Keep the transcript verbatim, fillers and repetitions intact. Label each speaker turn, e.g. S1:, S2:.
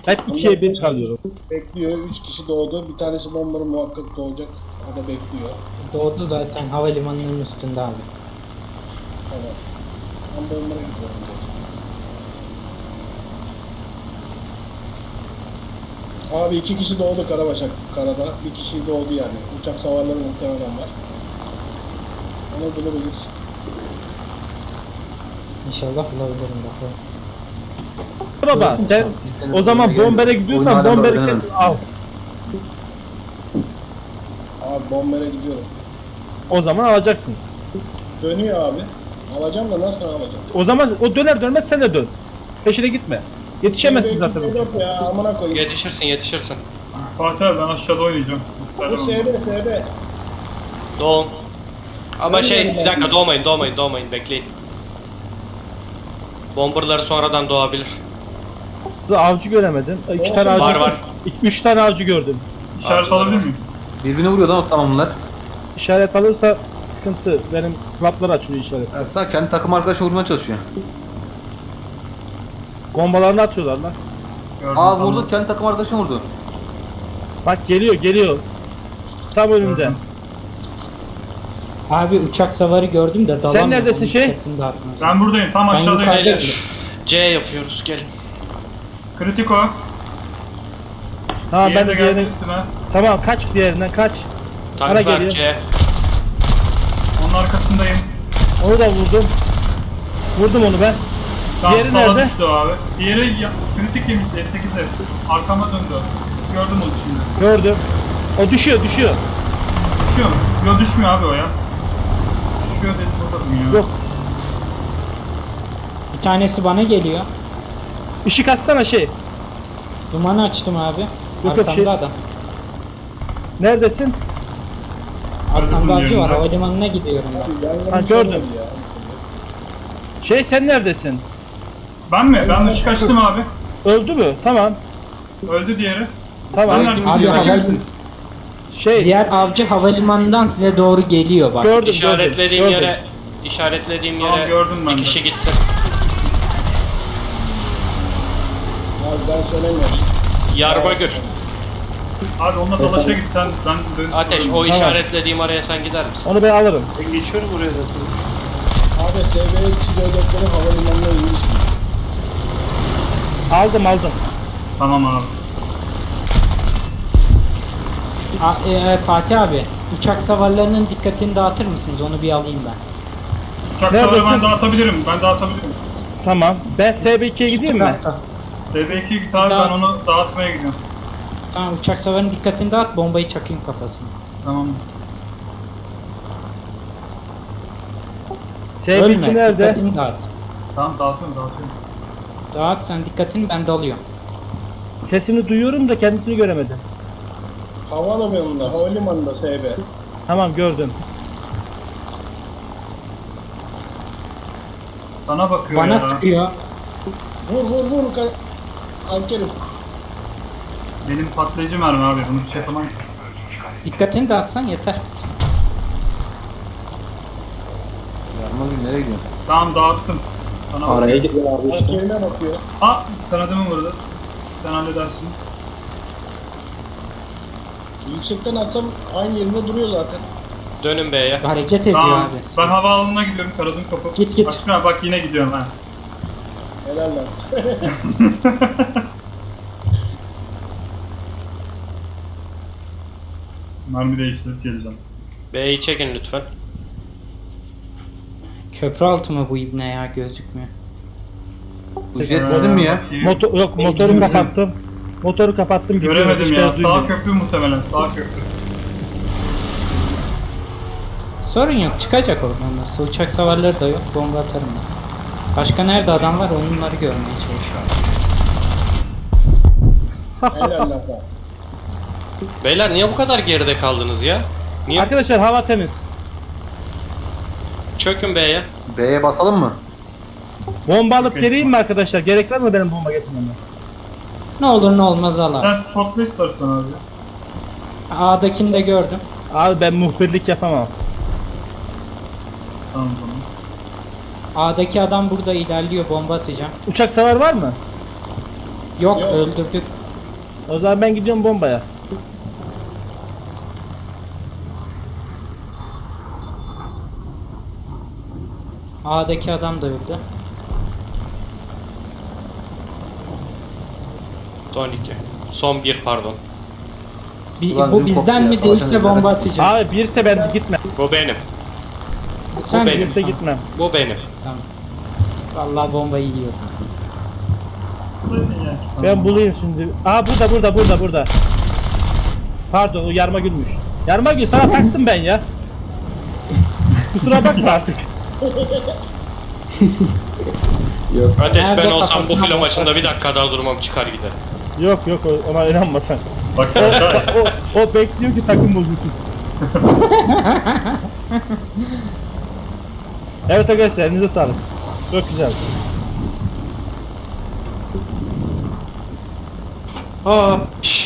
S1: Hep ikiye bir kalıyorum.
S2: Bekliyor. Üç kişi doğdu. Bir tanesi bombanın muhakkak doğacak. O da bekliyor.
S3: Doğdu zaten havalimanının üstünde abi.
S2: Tamam. Ben bombara gidiyorum. Abi iki kişi doğdu Karabaşak karada. Bir kişi doğdu yani. Uçak savarları muhtemelen var. Onu bulabiliriz.
S3: İnşallah bulabilirim bakalım.
S1: Baba sen o zaman bombere gidiyorsan bomberi kes al.
S2: Abi bombara gidiyorum.
S1: O zaman alacaksın.
S2: Dönüyor abi. Alacağım da nasıl alacağım?
S1: O zaman o döner dönmez sen de dön. Peşine gitme. Yetişemezsin zaten.
S2: Yok ya amına koyayım.
S4: Yetişirsin yetişirsin.
S5: Fatih abi ben aşağıda oynayacağım.
S2: Bu S B S B.
S4: Doğun. Ama şey bir dakika doğmayın doğmayın doğmayın bekleyin. Bomberları sonradan doğabilir.
S1: Avcı göremedim. İki
S2: Olsun,
S1: tane avcı.
S4: Var var.
S1: İki, üç tane avcı gördüm.
S5: İşaret
S4: Avcılar
S5: alabilir
S4: var.
S5: miyim?
S6: Birbirini vuruyor lan o tamamlar.
S1: İşaret alırsa sıkıntı. Benim klaplar açılıyor işaret.
S6: Evet, sen kendi takım arkadaşı vurmaya çalışıyor.
S1: Bombalarını atıyorlar lan.
S5: Gördüm,
S6: Aa
S5: tamam.
S6: vurdu, kendi takım arkadaşını vurdu.
S1: Bak geliyor geliyor. Tam önümde.
S5: Gördüm.
S3: Abi uçak savarı gördüm de dalamıyorum.
S1: neredesin
S3: onun
S1: şey?
S3: dikkatini dağıtmaz.
S5: Ben buradayım tam
S3: Ben
S5: aşağıdayım.
S3: yukarıda-
S4: Beyler C yapıyoruz gelin.
S5: Kritiko.
S1: Tamam ben
S5: Diğeri
S1: de
S5: de geldi
S1: diğerini...
S5: üstüme.
S1: Tamam kaç diğerinden kaç. Bana
S4: Tanklar
S1: geliyor.
S4: C.
S5: Onun arkasındayım.
S1: Onu da vurdum. Vurdum onu ben.
S5: Tamam,
S1: Diğeri
S5: sola
S1: nerede?
S5: düştü o abi. Diğeri ya, kritik yemişti F sekizde. Arkama döndü. Gördüm onu şimdi.
S1: Gördüm. O düşüyor düşüyor.
S5: Düşüyor mu? Yok düşmüyor abi o ya. Düşüyor dedi bakalım ya.
S1: Yok.
S3: Bir tanesi bana geliyor.
S1: Işık atsana şey.
S3: Dumanı açtım abi.
S1: yok,
S3: Arkamda
S1: şey-
S3: adam.
S1: Neredesin?
S3: Arkamda avcı var.
S5: yerinde.
S3: Havalimanına gidiyorum ben.
S2: Yangın
S1: Ha,
S2: söyledi
S1: gördüm.
S2: ya.
S1: Şey sen neredesin?
S5: Ben mi? Ben ışık açtım abi.
S1: Öldü mü? Tamam.
S5: Öldü diğeri.
S1: Tamam.
S5: Ben neredeyim?
S3: Abi
S5: Diğeri
S3: haval...
S5: misin?
S1: Şey
S3: Diğer avcı havalimanından size doğru geliyor bak.
S1: gördüm
S4: İşaretlediğim
S1: gördüm,
S4: yere işaretlediğim
S5: Tamam,
S4: yere
S5: gördüm ben
S4: bir
S5: de.
S4: kişi gitsin.
S2: Abi ben söylemiyorum.
S4: Yarbagül.
S5: Abi onunla dalaşa git sen. Ben dön.
S4: Ateş o işaretlediğim araya sen gider misin?
S1: Onu ben alırım.
S2: Abi S B iki C dörtleri havalimanına inmiş.
S1: Aldım aldım.
S5: Tamam abi.
S3: A- e, e, Fatih abi, uçak savarlarının dikkatini dağıtır mısınız? Onu bir alayım ben.
S5: Uçak
S1: Neredesin?
S5: savarı ben dağıtabilirim. Ben dağıtabilirim.
S1: Tamam. Ben S B ikiye gideyim mi?
S3: Tarafta.
S5: S B iki'ye git abi ben
S3: Dağıt.
S5: onu dağıtmaya gidiyorum.
S3: Tamam, uçak savarının dikkatini dağıt, bombayı çakayım kafasına.
S5: Tamam.
S1: S B
S3: Ölme,
S1: iki nerede?
S3: dikkatini dağıt.
S5: Tamam dağıtıyorum dağıtıyorum.
S3: Dağıt sen dikkatini, ben dalıyorum.
S1: Sesini duyuyorum da kendisini göremedim.
S2: Havalimanında, havalimanında S B.
S1: Tamam gördüm.
S5: Sana bakıyor
S3: Bana
S5: ya.
S3: sıkıyor.
S2: Vur vur vur. Kar Alkerim.
S5: Benim patlayıcı mermi abi. Bunu bir şey yapamam.
S3: Dikkatini dağıtsan yeter.
S6: Yarma gün nereye gidiyorsun?
S5: Tamam dağıttım. Sana bak.
S3: Araya giriyor abi
S2: Alkerim'e bakıyor.
S5: Ha kanadımı vurdu. Sen halledersin.
S2: Yüksekten atsam aynı yerinde duruyor zaten.
S4: Dönün B'ye.
S3: Hareket ediyor
S5: Tamam.
S3: abi.
S5: Ben havaalanına gidiyorum. Kanadım kapı.
S3: Git, git.
S5: Aşkına bak yine gidiyorum ha.
S2: Helal lan.
S5: Mermi değiştirip geleceğim.
S4: B'yi çekin lütfen.
S3: Köprü altı mı bu ibne ya, gözükmüyor.
S6: Bu jet sizin mi ya?
S5: Bakayım.
S1: Motor yok motoru
S3: Bizim- bizim-
S1: kapattım. Motoru kapattım gidiyorum.
S5: Göremedim
S1: Hiç
S5: ya.
S1: göz duymuyor.
S5: Sağ köprü muhtemelen. Sağ köprü.
S3: Sorun yok, çıkacak oradan, nasıl uçak savarları da yok, bomba atarım ben. Başka nerede adam var, onları görmeye çalışıyorum.
S2: Helal lan.
S4: Beyler niye bu kadar geride kaldınız ya? Niye?
S1: Arkadaşlar hava temiz.
S4: Çökün B'ye.
S6: B'ye basalım mı?
S1: Bomba alıp
S5: Çok
S1: geleyim mi arkadaşlar? Gerek var mı benim bomba getirmeme?
S3: Ne olur ne olmaz al abi.
S5: Sen spotla istersen abi.
S3: A'dakini de gördüm.
S1: Abi ben muhbirlik yapamam.
S5: Tamam tamam.
S3: A'daki adam burada ilerliyor, bomba atacağım.
S1: Uçak savar var mı?
S3: Yok,
S2: Yok.
S3: öldürdük.
S1: O zaman ben gidiyorum bombaya.
S3: A'daki adam da öldü.
S4: Son iki. Son bir pardon.
S3: Bi-
S6: Ulan
S3: bu
S6: dün
S3: bizden
S6: koptu ya,
S3: mi değilse
S6: savaşan
S3: bomba
S6: ellere.
S3: atacağım.
S1: Abi birse ben gitmem.
S4: Bu benim.
S3: Sen
S4: benim.
S3: misin?
S1: Birse
S3: Tamam.
S1: gitmem.
S4: Bu benim.
S3: Tamam. Vallahi bombayı yiyordum.
S5: Yani.
S1: Ben bulayım şimdi. Aa burada burada burada burada. Pardon o yarma gülmüş. Yarma gül sana taktım ben ya. Kusura bakma artık.
S4: Ateş ben
S3: Nerede
S4: olsam bu
S3: kafasına
S4: film
S3: bak-
S4: maçında bir dakika daha durmam çıkar gider.
S1: Yok yok o- ona inanma sen.
S5: Bak
S1: O,
S5: aşağı.
S1: o, o bekliyor ki takım bozulsun. Evet arkadaşlar elinize sağlık. Çok güzel.
S4: Aa, şş.